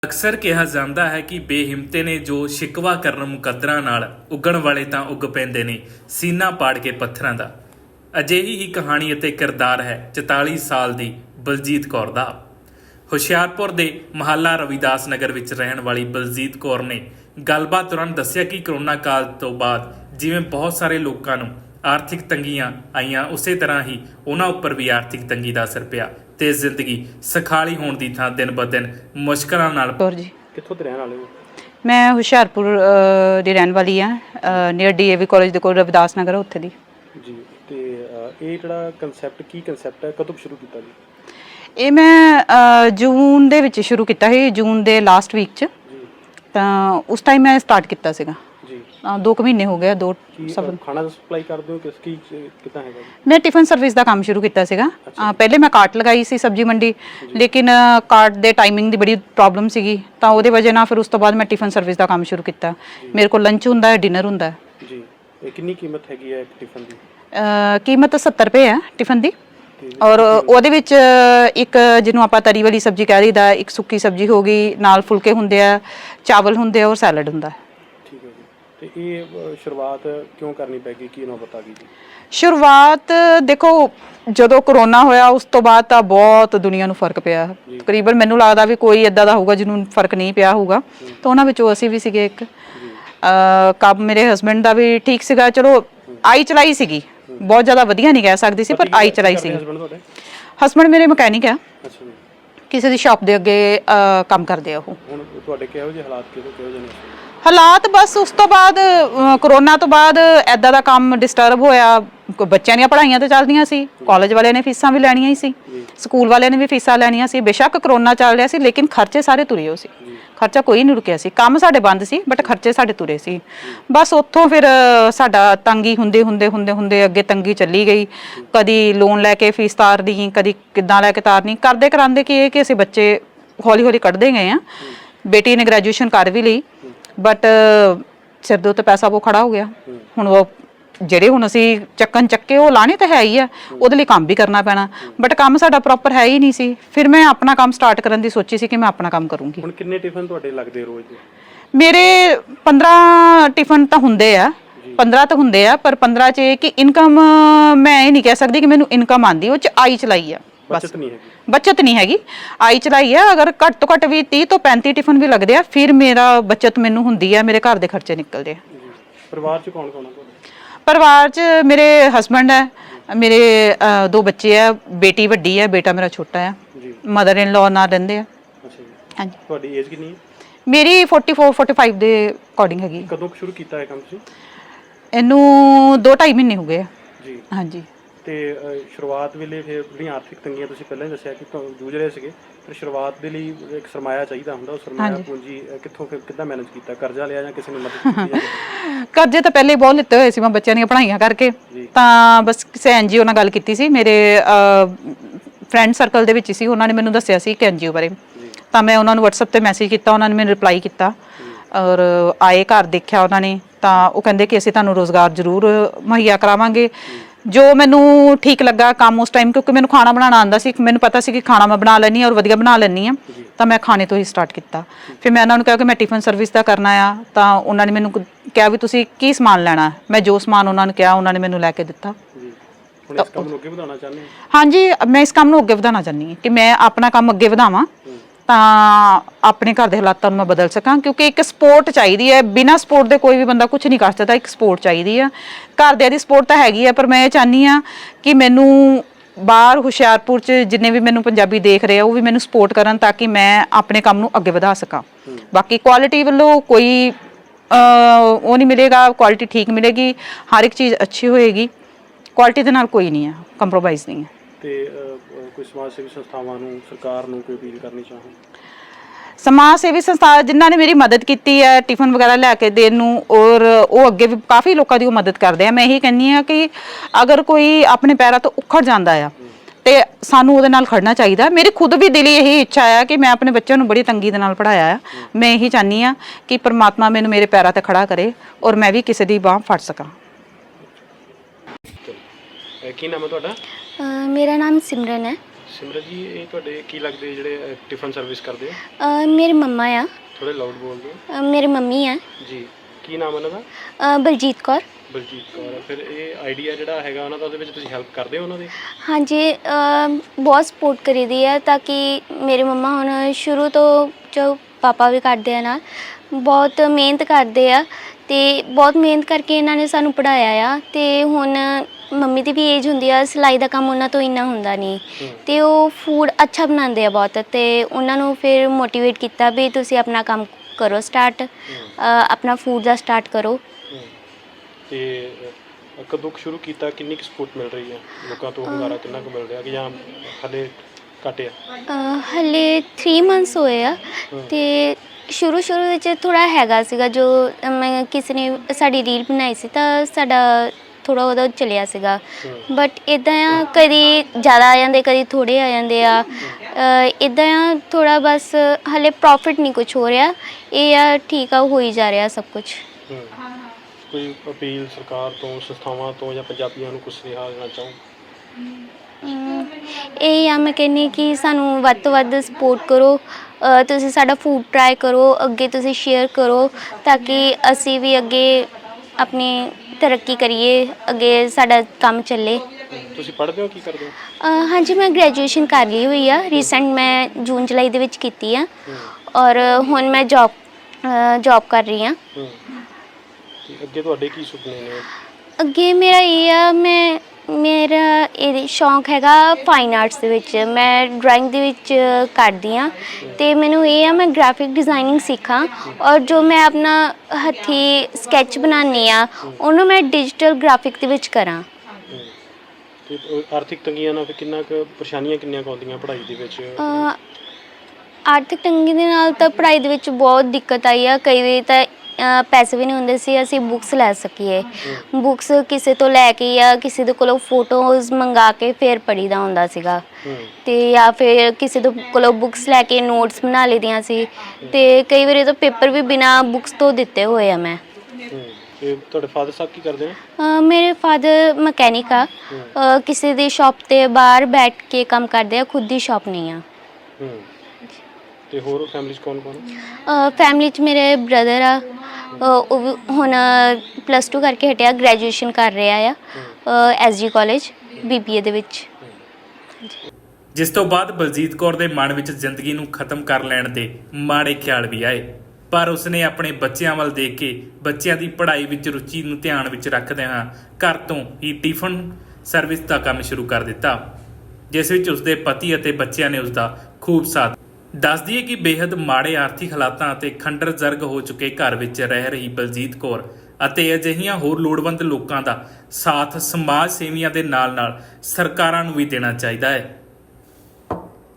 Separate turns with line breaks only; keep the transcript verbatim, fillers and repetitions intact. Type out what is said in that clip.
ਅਕਸਰ ਕਿਹਾ ਜਾਂਦਾ ਹੈ ਕਿ ਬੇਹਿੰਮਤੇ ਨੇ ਜੋ ਸ਼ਿਕਵਾ ਕਰਨ ਮੁਕੱਦਰਾਂ ਨਾਲ ਉੱਗਣ ਵਾਲੇ ਤਾਂ ਉੱਗ ਪੈਂਦੇ ਨੇ ਸੀਨਾ ਪਾੜ ਕੇ ਪੱਥਰਾਂ ਦਾ। ਅਜਿਹੀ ਹੀ ਕਹਾਣੀ ਅਤੇ ਕਿਰਦਾਰ ਹੈ ਚੁਤਾਲੀ ਸਾਲ ਦੀ ਬਲਜੀਤ ਕੌਰ ਦਾ। ਹੁਸ਼ਿਆਰਪੁਰ ਦੇ ਮਹੱਲਾ ਰਵਿਦਾਸ ਨਗਰ ਵਿੱਚ ਰਹਿਣ ਵਾਲੀ ਬਲਜੀਤ ਕੌਰ ਨੇ ਗੱਲਬਾਤ ਦੌਰਾਨ ਦੱਸਿਆ ਕਿ ਕਰੋਨਾ ਕਾਲ ਤੋਂ ਬਾਅਦ ਜਿਵੇਂ ਬਹੁਤ ਸਾਰੇ ਲੋਕਾਂ ਨੂੰ ਆਰਥਿਕ ਤੰਗੀਆਂ ਆਈਆਂ, ਉਸੇ ਤਰ੍ਹਾਂ ਹੀ ਉਹਨਾਂ ਉੱਪਰ ਵੀ ਆਰਥਿਕ ਤੰਗੀ ਦਾ ਅਸਰ ਪਿਆ ਤੇ ਜ਼ਿੰਦਗੀ ਸਖਾਲੀ ਹੋਣ ਦੀ ਥਾਂ ਦਿਨ ਬ ਦਿਨ ਮੁਸ਼ਕਲਾਂ ਨਾਲ।
ਕੌਰ ਜੀ,
ਕਿੱਥੋਂ ਦੇ ਰਹਿਣ ਵਾਲੇ ਹੋ?
ਮੈਂ ਹੁਸ਼ਿਆਰਪੁਰ ਅ, ਦੀ ਰਹਿਣ ਵਾਲੀ ਹਾਂ, ਨੀਅਰ ਡੀਏਵੀ ਕਾਲਜ ਦੇ ਕੋਲ ਰਵਿਦਾਸ ਨਗਰ ਉੱਥੇ ਦੀ
ਜੀ। ਤੇ ਅ, ਇਹ ਜਿਹੜਾ ਕਨਸੈਪਟ ਕੀ ਕਨਸੈਪਟ ਹੈ, ਕਦੋਂ ਸ਼ੁਰੂ ਕੀਤਾ ਜੀ?
ਇਹ ਮੈਂ ਅ, ਜੂਨ ਦੇ ਵਿੱਚ ਸ਼ੁਰੂ ਕੀਤਾ ਸੀ, ਜੂਨ ਦੇ ਲਾਸਟ ਵੀਕ 'ਚ।
ਜੀ
ਤਾਂ ਉਸ ਟਾਈਮ ਮੈਂ ਸਟਾਰਟ ਕੀਤਾ ਸੀਗਾ।
ਜੀ।
ਅ, ਦੋ ਕੁ ਮਹੀਨੇ ਹੋ ਗਏ, ਦੋ
ਕੀ
ਸਭ।
ਅ, ਖਾਣਾ ਸਪਲਾਈ ਕਰਦੇ ਹੋ ਕਿਸ ਕੀ ਕਿੱਦਾਂ ਹੈਗਾ ਜੀ?
ਮੈਂ ਟਿਫਨ ਸਰਵਿਸ ਦਾ ਕੰਮ ਸ਼ੁਰੂ ਕੀਤਾ ਸੀਗਾ। ਅ, ਪਹਿਲੇ ਮੈਂ ਕਾਰਟ ਲਗਾਈ ਸੀ ਸਬਜ਼ੀ ਮੰਡੀ, ਲੇਕਿਨ ਕਾਰਟ ਦੇ ਟਾਈਮਿੰਗ ਦੀ ਬੜੀ ਪ੍ਰੋਬਲਮ ਸੀਗੀ, ਤਾਂ ਉਹਦੇ ਵਜ੍ਹਾ ਨਾਲ ਫਿਰ ਉਸ ਤੋਂ ਬਾਅਦ ਮੈਂ ਟਿਫਨ ਸਰਵਿਸ ਦਾ ਕੰਮ ਸ਼ੁਰੂ ਕੀਤਾ। ਮੇਰੇ ਕੋਲ ਲੰਚ ਹੁੰਦਾ ਹੈ, ਡਿਨਰ ਹੁੰਦਾ ਹੈ।
ਜੀ। ਇਹ ਕਿੰਨੀ ਕੀਮਤ ਹੈਗੀ ਹੈ ਇੱਕ ਟਿਫਨ ਦੀ?
ਅ, ਕੀਮਤ ਸੱਤਰ ਰੁਪਏ ਹੈ ਟਿਫਨ ਦੀ। ਔਰ ਉਹਦੇ ਵਿੱਚ ਇੱਕ ਜਿਹਨੂੰ ਆਪਾਂ ਤਰੀ ਵਾਲੀ ਸਬਜ਼ੀ ਕਹਿ ਰਹੀਦਾ, ਇੱਕ ਸੁੱਕੀ ਸਬਜ਼ੀ ਹੋ ਗਈ, ਨਾਲ ਫੁਲਕੇ ਹੁੰਦੇ ਆ, ਚਾਵਲ ਹੁੰਦੇ ਆ, ਔਰ ਸੈਲਡ ਹੁੰਦਾ।
ਠੀਕ ਹੈ ਜੀ। ਤੇ ਇਹ ਅ, ਸ਼ੁਰੂਆਤ ਕਿਉਂ ਕਰਨੀ ਪੈ ਗਈ, ਕੀ ਨੌਬਤ ਆ ਗਈ ਜੀ?
ਸ਼ੁਰੂਆਤ ਦੇਖੋ, ਜਦੋਂ ਕਰੋਨਾ ਹੋਇਆ ਉਸ ਤੋਂ ਬਾਅਦ ਤਾਂ ਬਹੁਤ ਦੁਨੀਆ ਨੂੰ ਫਰਕ ਪਿਆ। ਤਕਰੀਬਨ ਮੈਨੂੰ ਲੱਗਦਾ ਵੀ ਕੋਈ ਇਦਾਂ ਦਾ ਹੋਊਗਾ ਜਿਹਨੂੰ ਫਰਕ ਨਹੀਂ ਪਿਆ ਹੋਊਗਾ, ਤਾਂ ਉਹਨਾਂ ਵਿੱਚੋਂ ਅਸੀਂ ਵੀ ਸੀਗੇ ਇੱਕ। ਕੰਮ ਮੇਰੇ ਹਸਬੈਂਡ ਦਾ ਵੀ ਠੀਕ ਸੀਗਾ, ਚਲੋ ਆਈ ਚਲਾਈ ਸੀਗੀ, ਬਹੁਤ ਜ਼ਿਆਦਾ ਵਧੀਆ ਨਹੀਂ ਕਹਿ ਸਕਦੀ ਸੀ, ਪਰ ਆਈ ਚਲਾਈ ਸੀ। ਹਸਬੈਂਡ ਮੇਰੇ ਮਕੈਨਿਕ ਆ,
ਅੱਛਾ ਜੀ।
ਕਿਸੇ ਦੀ ਸ਼ਾਪ ਦੇ ਅੱਗੇ ਅ, ਕੰਮ ਕਰਦੇ ਆ ਉਹ।
ਹੁਣ ਤੁਹਾਡੇ ਕਿਹੋ ਜਿਹੇ ਹਾਲਾਤ ਕਿਹੋ ਕਿਹੋ ਜਿਹੇ ਨੇ?
ਹਾਲਾਤ ਬਸ ਉਸ ਤੋਂ ਬਾਅਦ ਅ, ਕਰੋਨਾ ਤੋਂ ਬਾਅਦ ਐਦਾਂ ਦਾ ਕੰਮ ਡਿਸਟਰਬ ਹੋਇਆ। ਕ- ਬੱਚਿਆਂ ਦੀਆਂ ਪੜ੍ਹਾਈਆਂ ਤਾਂ ਚੱਲਦੀਆਂ ਸੀ, ਕਾਲਜ ਵਾਲਿਆਂ ਨੇ ਫੀਸਾਂ ਵੀ ਲੈਣੀਆਂ ਹੀ ਸੀ, ਸਕੂਲ ਵਾਲਿਆਂ ਨੇ ਵੀ ਫੀਸਾਂ ਲੈਣੀਆਂ ਸੀ। ਬੇਸ਼ੱਕ ਕਰੋਨਾ ਚੱਲ ਰਿਹਾ ਸੀ, ਲੇਕਿਨ ਖਰਚੇ ਸਾਰੇ ਤੁਰੇ ਹੋ ਸੀ, ਖਰਚਾ ਕੋਈ ਨਹੀਂ ਰੁਕਿਆ ਸੀ। ਕੰਮ ਸਾਡੇ ਬੰਦ ਸੀ, ਬਟ ਖਰਚੇ ਸਾਡੇ ਤੁਰੇ ਸੀ। ਬਸ ਉੱਥੋਂ ਫਿਰ ਅ, ਸਾਡਾ ਤੰਗੀ ਹੁੰਦੇ ਹੁੰਦੇ ਹੁੰਦੇ ਹੁੰਦੇ ਅੱਗੇ ਤੰਗੀ ਚੱਲੀ ਗਈ। ਕਦੀ ਲੋਨ ਲੈ ਕੇ ਫੀਸ ਤਾਰਨੀ, ਕਦੀ ਕਿੱਦਾਂ ਲੈ ਕੇ ਤਾਰਨੀ, ਕਰਦੇ ਕਰਾਂਦੇ ਕਿ ਇਹ ਕਿ ਅਸੀਂ ਬੱਚੇ ਹੌਲੀ ਹੌਲੀ ਕੱਢਦੇ ਗਏ ਆ। ਬੇਟੀ ਨੇ ਗ੍ਰੈਜੂਏਸ਼ਨ ਕਰ ਵੀ ਲਈ, ਬਟ ਸਿਰ ਦੇ ਉੱਤੇ ਪੈਸਾ ਬਹੁਤ ਖੜਾ ਹੋ ਗਿਆ। ਹੁਣ ਉਹ ਜਿਹੜੇ ਹੁਣ ਅਸੀਂ ਚੱਕਣ ਚੱਕੇ ਉਹ ਲਾਣੇ ਤਾਂ ਹੈ ਹੀ ਆ, ਉਹਦੇ ਲਈ ਕੰਮ ਵੀ ਕਰਨਾ ਪੈਣਾ, ਬਟ ਕੰਮ ਸਾਡਾ ਪ੍ਰੋਪਰ ਹੈ ਹੀ ਨਹੀਂ ਸੀ। ਫਿਰ ਮੈਂ ਆਪਣਾ ਕੰਮ ਸਟਾਰਟ ਕਰਨ ਦੀ ਸੋਚੀ ਸੀ ਕਿ ਮੈਂ ਆਪਣਾ ਕੰਮ ਕਰੂੰਗੀ।
ਹੁਣ ਕਿੰਨੇ ਟਿਫਨ ਤੁਹਾਡੇ ਲੱਗਦੇ ਰੋਜ਼ ਦੇ?
ਮੇਰੇ ਪੰਦਰਾਂ ਟਿਫਨ ਤਾਂ ਹੁੰਦੇ ਆ, ਪੰਦਰਾਂ ਤਾਂ ਹੁੰਦੇ ਆ, ਪਰ ਪੰਦਰਾਂ 'ਚ ਇਹ ਕਿ ਇਨਕਮ ਮੈਂ ਇਹ ਨਹੀਂ ਕਹਿ ਸਕਦੀ ਕਿ ਮੈਨੂੰ ਇਨਕਮ ਆਉਂਦੀ, ਉਹ 'ਚ ਆਈ ਚਲਾਈ ਆ।
ਬਚਤ ਨਹੀਂ ਹੈਗੀ?
ਬੱਚਤ ਨਹੀਂ ਹੈਗੀ, ਆਈ ਚਲਾਈ ਆ। ਅਗਰ ਘੱਟ ਤੋਂ ਘੱਟ ਵੀ ਤੀਹ ਤੋਂ ਪੈਂਤੀ ਟਿਫਨ ਵੀ ਲੱਗਦੇ ਆ, ਫਿਰ ਮੇਰਾ ਬੱਚਤ ਮੈਨੂੰ ਹੁੰਦੀ ਆ, ਮੇਰੇ ਘਰ ਦੇ ਖਰਚੇ ਨਿਕਲਦੇ ਆ।
ਪਰਿਵਾਰ 'ਚ ਕੌਣ ਕੌਣ ਹੈ ਤੁਹਾਡੇ?
ਪਰਿਵਾਰ 'ਚ ਮੇਰੇ ਹਸਬੈਂਡ ਹੈ, ਮੇਰੇ ਅ, ਦੋ ਬੱਚੇ ਆ, ਬੇਟੀ ਵੱਡੀ ਹੈ, ਬੇਟਾ ਮੇਰਾ ਛੋਟਾ ਹੈ। ਮਦਰ ਇਨ ਲਾਅ ਨਾਲ ਰਹਿੰਦੇ ਆ।
ਅੱਛਾ ਜੀ।
ਹਾਂਜੀ।
ਤੁਹਾਡੀ ਏਜ ਕਿੰਨੀ ਹੈ?
ਮੇਰੀ ਚੌਂਤਾਲੀ ਪੈਂਤਾਲੀ ਦੇ ਅਕੋਰਡਿੰਗ ਹੈਗੀ।
ਕਦੋਂ ਸ਼ੁਰੂ ਕੀਤਾ ਇਹ ਕੰਮ ਤੁਸੀਂ?
ਇਹਨੂੰ ਦੋ ਢਾਈ ਮਹੀਨੇ ਹੋ ਗਏ ਆ।
ਜੀ।
ਹਾਂਜੀ।
ਤੇ ਅ, ਸ਼ੁਰੂਆਤ ਵੇਲੇ ਫਿਰ ਜਿਹੜੀਆਂ ਆਰਥਿਕ ਤੰਗੀਆਂ ਤੁਸੀਂ ਪਹਿਲਾਂ ਹੀ ਦੱਸਿਆ ਕਿ ਤੁਹਾਨੂੰ ਜੂਝ ਰਹੇ ਸੀਗੇ, ਫਿਰ ਸ਼ੁਰੂਆਤ ਦੇ ਲਈ ਇੱਕ ਸਰਮਾਇਆ ਚਾਹੀਦਾ ਹੁੰਦਾ, ਉਹ ਸਰਮਾਇਆ ਪੂੰਜੀ ਅ, ਕਿੱਥੋਂ ਫਿਰ ਕਿੱਦਾਂ ਮੈਨੇਜ ਕੀਤਾ? ਕਰਜ਼ਾ ਲਿਆ ਜਾਂ ਕਿਸੇ ਨੇ ਮਦਦ ਕੀਤੀ ਜਾਂ?
ਕਰਜ਼ੇ ਤਾਂ ਪਹਿਲੇ ਹੀ ਬਹੁਤ ਲਿੱਤੇ ਹੋਏ ਸੀ ਮੈਂ ਬੱਚਿਆਂ ਦੀਆਂ ਪੜ੍ਹਾਈਆਂ ਕਰਕੇ। ਤਾਂ ਬਸ ਕਿਸੇ ਐਨਜੀਓ ਨਾਲ ਗੱਲ ਕੀਤੀ ਸੀ, ਮੇਰੇ ਫਰੈਂਡ ਸਰਕਲ ਦੇ ਵਿੱਚ ਹੀ ਸੀ, ਉਹਨਾਂ ਨੇ ਮੈਨੂੰ ਦੱਸਿਆ ਸੀ ਕਿ ਐਨਜੀਓ ਬਾਰੇ। ਤਾਂ ਮੈਂ ਉਹਨਾਂ ਨੂੰ ਵਟਸਐਪ ਤੇ ਮੈਸੇਜ ਕੀਤਾ, ਉਹਨਾਂ ਨੇ ਮੈਨੂੰ ਰਿਪਲਾਈ ਕੀਤਾ, ਔਰ ਆਏ ਘਰ ਦੇਖਿਆ ਉਹਨਾਂ ਨੇ, ਤਾਂ ਉਹ ਕਹਿੰਦੇ ਕਿ ਅਸੀਂ ਤੁਹਾਨੂੰ ਰੋਜ਼ਗਾਰ ਜ਼ਰੂਰ ਮੁਹੱਈਆ ਕਰਾਵਾਂਗੇ। ਜੋ ਮੈਨੂੰ ਠੀਕ ਲੱਗਾ ਕੰਮ ਉਸ ਟਾਈਮ, ਕਿਉਂਕਿ ਮੈਨੂੰ ਖਾਣਾ ਬਣਾਉਣਾ ਆਉਂਦਾ ਸੀ, ਮੈਨੂੰ ਪਤਾ ਸੀ ਕਿ ਖਾਣਾ ਮੈਂ ਬਣਾ ਲੈਂਦੀ ਹਾਂ ਔਰ ਵਧੀਆ ਬਣਾ ਲੈਂਦੀ ਹਾਂ, ਤਾਂ ਮੈਂ ਖਾਣੇ ਤੋਂ ਹੀ ਸਟਾਰਟ ਕੀਤਾ। ਫਿਰ ਮੈਂ ਉਹਨਾਂ ਨੂੰ ਕਿਹਾ ਕਿ ਮੈਂ ਟਿਫਨ ਸਰਵਿਸ ਦਾ ਕਰਨਾ ਆ, ਤਾਂ ਉਹਨਾਂ ਨੇ ਮੈਨੂੰ ਕਿਹਾ ਵੀ ਤੁਸੀਂ ਕੀ ਸਮਾਨ ਲੈਣਾ। ਮੈਂ ਜੋ ਸਮਾਨ ਉਹਨਾਂ ਨੂੰ ਕਿਹਾ, ਉਹਨਾਂ ਨੇ ਮੈਨੂੰ ਲੈ ਕੇ ਦਿੱਤਾ।
ਹੁਣ ਇਸ ਕੰਮ ਨੂੰ ਅੱਗੇ ਵਧਾਉਣਾ ਚਾਹੁੰਦੇ ਹੋ?
ਹਾਂਜੀ, ਮੈਂ ਇਸ ਕੰਮ ਨੂੰ ਅੱਗੇ ਵਧਾਉਣਾ ਚਾਹੁੰਦੀ ਹਾਂ ਕਿ ਮੈਂ ਆਪਣਾ ਕੰਮ ਅੱਗੇ ਵਧਾਵਾਂ, ਤਾਂ ਆਪਣੇ ਘਰ ਦੇ ਹਾਲਾਤਾਂ ਨੂੰ ਮੈਂ ਬਦਲ ਸਕਾਂ। ਕਿਉਂਕਿ ਇੱਕ ਸਪੋਰਟ ਚਾਹੀਦੀ ਹੈ, ਬਿਨਾਂ ਸਪੋਰਟ ਦੇ ਕੋਈ ਵੀ ਬੰਦਾ ਕੁਝ ਨਹੀਂ ਕਰ ਸਕਦਾ। ਇੱਕ ਸਪੋਰਟ ਚਾਹੀਦੀ ਆ, ਘਰਦਿਆਂ ਦੀ ਸਪੋਰਟ ਤਾਂ ਹੈਗੀ ਆ, ਪਰ ਮੈਂ ਇਹ ਚਾਹੁੰਦੀ ਹਾਂ ਕਿ ਮੈਨੂੰ ਬਾਹਰ ਹੁਸ਼ਿਆਰਪੁਰ 'ਚ ਜਿੰਨੇ ਵੀ ਮੈਨੂੰ ਪੰਜਾਬੀ ਦੇਖ ਰਹੇ ਆ, ਉਹ ਵੀ ਮੈਨੂੰ ਸਪੋਰਟ ਕਰਨ, ਤਾਂ ਕਿ ਮੈਂ ਆਪਣੇ ਕੰਮ ਨੂੰ ਅੱਗੇ ਵਧਾ ਸਕਾਂ। ਬਾਕੀ ਕੁਆਲਿਟੀ ਵੱਲੋਂ ਕੋਈ ਉਹ ਨਹੀਂ ਮਿਲੇਗਾ, ਕੁਆਲਿਟੀ ਠੀਕ ਮਿਲੇਗੀ, ਹਰ ਇੱਕ ਚੀਜ਼ ਅੱਛੀ ਹੋਏਗੀ, ਕੁਆਲਿਟੀ ਦੇ ਨਾਲ ਕੋਈ ਨਹੀਂ ਹੈ, ਕੰਪਰੋਮਾਈਜ਼ ਨਹੀਂ ਹੈ।
ਤੇ ਅ, ਕੋਈ ਸਮਾਜ ਸੇਵੀ ਸੰਸਥਾਵਾਂ ਨੂੰ, ਸਰਕਾਰ ਨੂੰ ਕੋਈ ਅਪੀਲ ਕਰਨੀ ਚਾਹੋ?
ਸਮਾਜ ਸੇਵੀ ਸੰਸਥਾ ਜਿਨ੍ਹਾਂ ਨੇ ਮੇਰੀ ਮਦਦ ਕੀਤੀ ਹੈ ਟਿਫਨ ਵਗੈਰਾ ਲੈ ਕੇ ਦੇਣ ਨੂੰ, ਔਰ ਉਹ ਅੱਗੇ ਵੀ ਕਾਫੀ ਲੋਕਾਂ ਦੀ ਉਹ ਮਦਦ ਕਰਦੇ ਆ। ਮੈਂ ਇਹੀ ਕਹਿੰਦੀ ਹਾਂ ਕਿ ਅਗਰ ਕੋਈ ਆਪਣੇ ਪੈਰਾਂ ਤੋਂ ਉੱਖੜ ਜਾਂਦਾ ਆ, ਤੇ ਸਾਨੂੰ ਉਹਦੇ ਨਾਲ ਖੜਨਾ ਚਾਹੀਦਾ। ਮੇਰੀ ਖੁਦ ਵੀ ਦਿਲੀ ਇਹੀ ਇੱਛਾ ਆ ਕਿ ਮੈਂ ਆਪਣੇ ਬੱਚਿਆਂ ਨੂੰ ਬੜੀ ਤੰਗੀ ਦੇ ਨਾਲ ਪੜ੍ਹਾਇਆ ਆ। ਮੈਂ ਇਹੀ ਚਾਹੁੰਦੀ ਹਾਂ ਕਿ ਪਰਮਾਤਮਾ ਮੈਨੂੰ ਮੇਰੇ ਪੈਰਾਂ ਤੇ ਖੜਾ ਕਰੇ ਔਰ ਮੈਂ ਵੀ ਕਿਸੇ ਦੀ ਬਾਂਹ ਫੜ ਸਕਾਂ।
ਕੀ ਨਾਮ ਹੈ ਤੁਹਾਡਾ?
ਅ, ਮੇਰਾ ਨਾਮ ਸਿਮਰਨ ਹੈ।
ਸਿਮਰਨ ਜੀ, ਇਹ ਤੁਹਾਡੇ ਕੀ ਲੱਗਦੇ ਜਿਹੜੇ ਟਿਫਨ ਸਰਵਿਸ ਕਰਦੇ ਹੋ?
ਅ, ਮੇਰੇ ਮੰਮਾ ਆ।
ਥੋੜੇ ਲਾਊਡ ਬੋਲ ਦਿਓ।
ਅ, ਮੇਰੇ ਮੰਮੀ ਆ।
ਜੀ, ਕੀ ਨਾਮ ਉਹਨਾਂ ਦਾ?
ਅ, ਬਲਜੀਤ ਕੌਰ।
ਬਲਜੀਤ ਕੌਰ। ਫਿਰ ਇਹ ਆਈਡੀਆ ਜਿਹੜਾ ਹੈਗਾ ਉਹਨਾਂ ਦਾ, ਉਹਦੇ ਵਿੱਚ ਤੁਸੀਂ ਹੈਲਪ ਕਰਦੇ ਹੋ ਉਹਨਾਂ ਦੀ?
ਹਾਂਜੀ, ਅ, ਬਹੁਤ ਸਪੋਰਟ ਕਰੀਦੀ ਆ ਤਾਂ ਕਿ ਮੇਰੇ ਮੰਮਾ ਹੁਣ ਸ਼ੁਰੂ ਤੋਂ ਜੋ ਪਾਪਾ ਵੀ ਕਰਦੇ ਆ ਨਾਲ ਬਹੁਤ ਮਿਹਨਤ ਕਰਦੇ ਆ ਅਤੇ ਬਹੁਤ ਮਿਹਨਤ ਕਰਕੇ ਇਹਨਾਂ ਨੇ ਸਾਨੂੰ ਪੜ੍ਹਾਇਆ ਆ। ਅਤੇ ਹੁਣ ਮੰਮੀ ਦੀ ਵੀ ਏਜ ਹੁੰਦੀ ਆ, ਸਿਲਾਈ ਦਾ ਕੰਮ ਉਹਨਾਂ ਤੋਂ ਇੰਨਾ ਹੁੰਦਾ ਨਹੀਂ ਅਤੇ ਉਹ ਫੂਡ ਅੱਛਾ ਬਣਾਉਂਦੇ ਆ ਬਹੁਤ, ਅਤੇ ਉਹਨਾਂ ਨੂੰ ਫਿਰ ਮੋਟੀਵੇਟ ਕੀਤਾ ਵੀ ਤੁਸੀਂ ਆਪਣਾ ਕੰਮ ਕਰੋ ਸਟਾਰਟ, ਆਪਣਾ ਫੂਡ ਦਾ ਸਟਾਰਟ ਕਰੋ।
ਤੇ ਕਦੋਂ ਕੁ ਸ਼ੁਰੂ ਕੀਤਾ? ਕਿੰਨੀ ਕੁ ਸਪੋਰਟ ਮਿਲ ਰਹੀ ਹੈ ਲੋਕਾਂ ਤੋਂ? ਹੁੰਗਾਰਾ ਕਿੰਨਾ ਕੁ ਮਿਲ ਰਿਹਾ ਕਿ ਜਾਂ ਹਲੇ ਘੱਟ ਆ?
ਹਲੇ ਥ੍ਰੀ ਮੰਥਸ ਹੋਏ ਆ ਅਤੇ ਸ਼ੁਰੂ ਸ਼ੁਰੂ ਵਿੱਚ ਥੋੜ੍ਹਾ ਹੈਗਾ ਸੀਗਾ, ਜੋ ਮੈਂ ਕਿਸੇ ਨੇ ਸਾਡੀ ਰੀਲ ਬਣਾਈ ਸੀ ਤਾਂ ਸਾਡਾ ਥੋੜ੍ਹਾ ਉਹਦਾ ਚੱਲਿਆ ਸੀਗਾ, ਬਟ ਇੱਦਾਂ ਆ ਕਦੀ ਜ਼ਿਆਦਾ ਆ ਜਾਂਦੇ ਕਦੀ ਥੋੜ੍ਹੇ ਆ ਜਾਂਦੇ ਆ, ਇੱਦਾਂ ਆ ਥੋੜ੍ਹਾ ਬਸ ਹਲੇ ਪ੍ਰੋਫਿਟ ਨਹੀਂ ਕੁਛ ਹੋ ਰਿਹਾ, ਇਹ ਆ ਠੀਕ ਆ ਹੋ ਹੀ ਜਾ ਰਿਹਾ ਸਭ ਕੁਛ।
ਕੋਈ ਅਪੀਲ ਸਰਕਾਰ ਤੋਂ, ਸੰਸਥਾਵਾਂ ਤੋਂ ਜਾਂ ਪੰਜਾਬੀਆਂ ਨੂੰ ਕੁਛ ਸੁਨੇਹਾ ਦੇਣਾ ਚਾਹੋ?
ਇਹ ਆ ਮੈਂ ਕਹਿੰਦੀ ਕਿ ਸਾਨੂੰ ਵੱਧ ਤੋਂ ਵੱਧ ਸਪੋਰਟ ਕਰੋ, ਤੁਸੀਂ ਸਾਡਾ ਫੂਡ ਟਰਾਈ ਕਰੋ, ਅੱਗੇ ਤੁਸੀਂ ਸ਼ੇਅਰ ਕਰੋ ਤਾਂ ਕਿ ਅਸੀਂ ਵੀ ਅੱਗੇ ਆਪਣੀ ਤਰੱਕੀ ਕਰੀਏ, ਅੱਗੇ ਸਾਡਾ ਕੰਮ ਚੱਲੇ।
ਤੁਸੀਂ ਪੜ੍ਹਦੇ ਹੋ, ਕੀ ਕਰਦੇ ਹੋ?
ਹਾਂਜੀ, ਮੈਂ ਗ੍ਰੈਜੂਏਸ਼ਨ ਕਰ ਲਈ ਹੋਈ ਆ, ਰੀਸੈਂਟ ਮੈਂ ਜੂਨ ਜੁਲਾਈ ਦੇ ਵਿੱਚ ਕੀਤੀ ਆ ਔਰ ਹੁਣ ਮੈਂ ਜੋਬ ਜੋਬ ਕਰ ਰਹੀ ਹਾਂ।
ਅੱਗੇ ਤੁਹਾਡੇ ਕੀ ਸੁਪਨੇ ਨੇ?
ਅੱਗੇ ਮੇਰਾ ਇਹ ਆ, ਮੈਂ ਮੇਰਾ ਇਹ ਸ਼ੌਂਕ ਹੈਗਾ ਫਾਈਨ ਆਰਟਸ ਦੇ ਵਿੱਚ, ਮੈਂ ਡਰਾਇੰਗ ਦੇ ਵਿੱਚ ਕਰਦੀ ਹਾਂ ਅਤੇ ਮੈਨੂੰ ਇਹ ਆ ਮੈਂ ਗ੍ਰਾਫਿਕ ਡਿਜ਼ਾਇਨਿੰਗ ਸਿੱਖਾਂ ਔਰ ਜੋ ਮੈਂ ਆਪਣਾ ਹੱਥੀਂ ਸਕੈਚ ਬਣਾਉਂਦੀ ਹਾਂ ਉਹਨੂੰ ਮੈਂ ਡਿਜੀਟਲ ਗ੍ਰਾਫਿਕ ਦੇ ਵਿੱਚ ਕਰਾਂ।
ਤੇ ਆਰਥਿਕ ਤੰਗੀਆਂ ਨਾਲ ਫਿਰ ਕਿੰਨਾ ਕੁ ਪਰੇਸ਼ਾਨੀਆਂ ਕਿੰਨੀਆਂ ਕੁ ਆਉਂਦੀਆਂ ਪੜ੍ਹਾਈ ਦੇ ਵਿੱਚ?
ਆਰਥਿਕ ਤੰਗੀ ਦੇ ਨਾਲ ਤਾਂ ਪੜ੍ਹਾਈ ਦੇ ਵਿੱਚ ਬਹੁਤ ਦਿੱਕਤ ਆਈ ਆ, ਕਈ ਵਾਰੀ ਤਾਂ ਪੈਸੇ ਵੀ ਨਹੀਂ ਹੁੰਦੇ ਸੀ ਅਸੀਂ ਬੁੱਕਸ ਲੈ ਸਕੀਏ, ਬੁੱਕਸ ਕਿਸੇ ਤੋਂ ਲੈ ਕੇ ਜਾਂ ਕਿਸੇ ਦੇ ਕੋਲੋਂ ਫੋਟੋਜ਼ ਮੰਗਾ ਕੇ ਫਿਰ ਪੜ੍ਹੀ ਦਾ ਹੁੰਦਾ ਸੀਗਾ, ਅਤੇ ਜਾਂ ਫਿਰ ਕਿਸੇ ਦੇ ਕੋਲੋਂ ਬੁੱਕਸ ਲੈ ਕੇ ਨੋਟਸ ਬਣਾ ਲਈਦੀਆਂ ਸੀ, ਅਤੇ ਕਈ ਵਾਰੀ ਤਾਂ ਪੇਪਰ ਵੀ ਬਿਨਾਂ ਬੁੱਕਸ ਤੋਂ ਦਿੱਤੇ ਹੋਏ ਆ ਮੈਂ।
ਤੇ ਤੁਹਾਡੇ ਫਾਦਰ ਸਾਹਿਬ ਕੀ ਕਰਦੇ ਨੇ?
ਮੇਰੇ ਫਾਦਰ ਮਕੈਨਿਕ ਆ, ਕਿਸੇ ਦੀ ਸ਼ਾਪ 'ਤੇ ਬਾਹਰ ਬੈਠ ਕੇ ਕੰਮ ਕਰਦੇ ਆ, ਖੁਦ ਦੀ ਸ਼ਾਪ ਨਹੀਂ ਆ।
ਤੇ ਹੋਰ ਫੈਮਿਲੀ 'ਚ ਕੌਣ ਕੌਣ?
ਫੈਮਿਲੀ 'ਚ ਮੇਰੇ ਬ੍ਰਦਰ ਆ, ਉਹ ਵੀ ਹੁਣ ਪਲੱਸ ਟੂ ਕਰਕੇ ਹਟਿਆ, ਗ੍ਰੈਜੂਏਸ਼ਨ ਕਰ ਰਿਹਾ ਆ ਐਸ ਜੀ ਕਾਲਜ ਬੀ ਬੀ ਏ ਦੇ ਵਿੱਚ।
ਜਿਸ ਤੋਂ ਬਾਅਦ ਬਲਜੀਤ ਕੌਰ ਦੇ ਮਨ ਵਿੱਚ ਜ਼ਿੰਦਗੀ ਨੂੰ ਖਤਮ ਕਰ ਲੈਣ ਦੇ ਮਾੜੇ ਖਿਆਲ ਵੀ ਆਏ, ਪਰ ਉਸਨੇ ਆਪਣੇ ਬੱਚਿਆਂ ਵੱਲ ਦੇਖ ਕੇ ਬੱਚਿਆਂ ਦੀ ਪੜ੍ਹਾਈ ਵਿੱਚ ਰੁਚੀ ਨੂੰ ਧਿਆਨ ਵਿੱਚ ਰੱਖਦਿਆਂ ਹਾਂ ਘਰ ਤੋਂ ਹੀ ਟਿਫਨ ਸਰਵਿਸ ਦਾ ਕੰਮ ਸ਼ੁਰੂ ਕਰ ਦਿੱਤਾ, ਜਿਸ ਵਿੱਚ ਉਸਦੇ ਪਤੀ ਅਤੇ ਬੱਚਿਆਂ ਨੇ ਉਸਦਾ ਖੂਬ ਸਾਥ। ਦੱਸ ਦਈਏ ਕਿ ਬੇਹੱਦ ਮਾੜੇ ਆਰਥਿਕ ਹਾਲਾਤਾਂ ਅਤੇ ਖੰਡਰ ਜ਼ਰਗ ਹੋ ਚੁੱਕੇ ਘਰ ਵਿੱਚ ਰਹਿ ਰਹੀ ਬਲਜੀਤ ਕੌਰ ਅਤੇ ਅਜਿਹੀਆਂ ਹੋਰ ਲੋੜਵੰਦ ਲੋਕਾਂ ਦਾ ਸਾਥ ਸਮਾਜ ਸੇਵੀਆਂ ਦੇ ਨਾਲ ਨਾਲ ਸਰਕਾਰਾਂ ਨੂੰ ਵੀ ਦੇਣਾ ਚਾਹੀਦਾ ਹੈ।